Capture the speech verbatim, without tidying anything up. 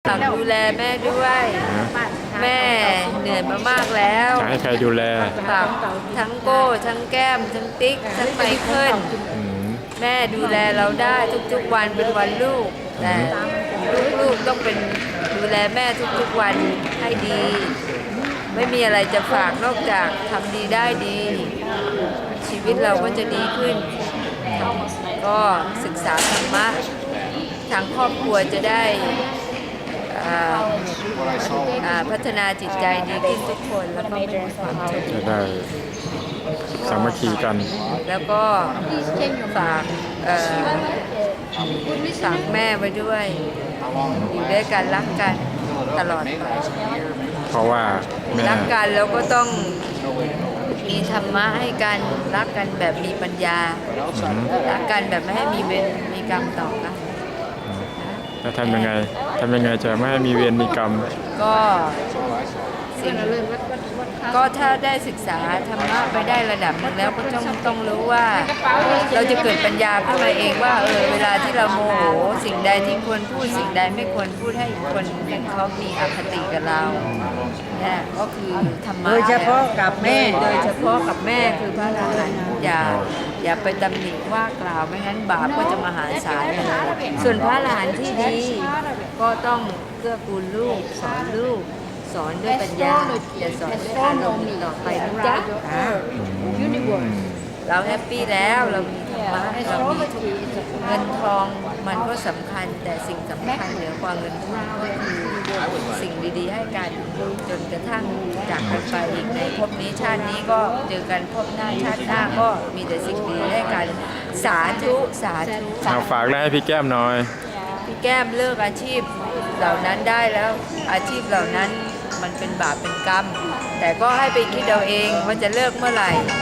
ฝากดูแลแม่ด้วยแม่เหนื่อยมามากแล้วจะให้ใครดูแลฝากทั้งโก้ทั้งแก้มทั้งติ๊กทั้งไมเคิลแม่ดูแลเราได้ทุกๆวันเป็นวันลูกแต่ลูกๆต้องเป็นดูแลแม่ทุกๆวันให้ดี ไม่มีอะไรจะฝากนอกจากทำดีได้ดี ชีวิตเราก็จะดีขึ้น ก็ศึกษาธรรมะทางครอบครัวจะได้พัฒนาจิตใจดีขึ้นทุกคนแล้วก็ไม่มีความทุกข์จะได้สามัคคีกันแล้วก็ฝากฝากแม่ไว้ด้วยอยู่ด้วยกันรักกันตลอดไปเพราะว่าแม่รักกันแล้วก็ต้องมีธรรมะให้กันรักกันแบบมีปัญญารักกันแบบไม่ให้มีเวรมีกรรมต่อกันแล้วทำยังไงทำยังไงจะไม่ให้มีเวรมีกรรมก็สิ่งก็ถ้าได้ศึกษาธรรมะไปได้ระดับนึงแล้วก็ต้องต้องรู้ว่าเราจะเกิดปัญญาขึ้นมาเองว่าเออเวลาที่เราโมโหสิ่งใดที่ควรพูดสิ่งใดไม่ควรพูดให้คนเขามีอคติกับเราเนี่ยก็คือธรรมะโดยเฉพาะกับแม่โดยเฉพาะกับแม่คือพระอรหันต์อย่าอย่าไปตำหนิว่ากล่าวไม่งั้นบาปก็จะมหาศาลเลยส่วนพระอรหันต์ที่ดีก็ต้องเกื้อกูลลูกสอนลูกสอนด้วยปัญญาอย่าสอนด้วยอารมณ์ต่อไปนะจ๊ะเราแฮปปี้แล้วเรามีธรรมะเรามีเงินทองมันก็สำคัญแต่สิ่งสำคัญเหนือกว่าเงินทองก็คือสิ่งดีๆให้กันจนกระทั่งจากกันไปอีกในภพนี้ชาตินี้ก็เจอกันภพหน้าชาติหน้าก็มีแต่สิ่งดีให้กันสาธุสาธุฝากได้ให้พี่แก้มหน่อยพี่แก้มเลิกอาชีพเหล่านั้นได้แล้วอาชีพเหล่านั้นมันเป็นบาปเป็นกรรมแต่ก็ให้ไปคิดเอาเองว่าจะเลิกเมื่อไหร่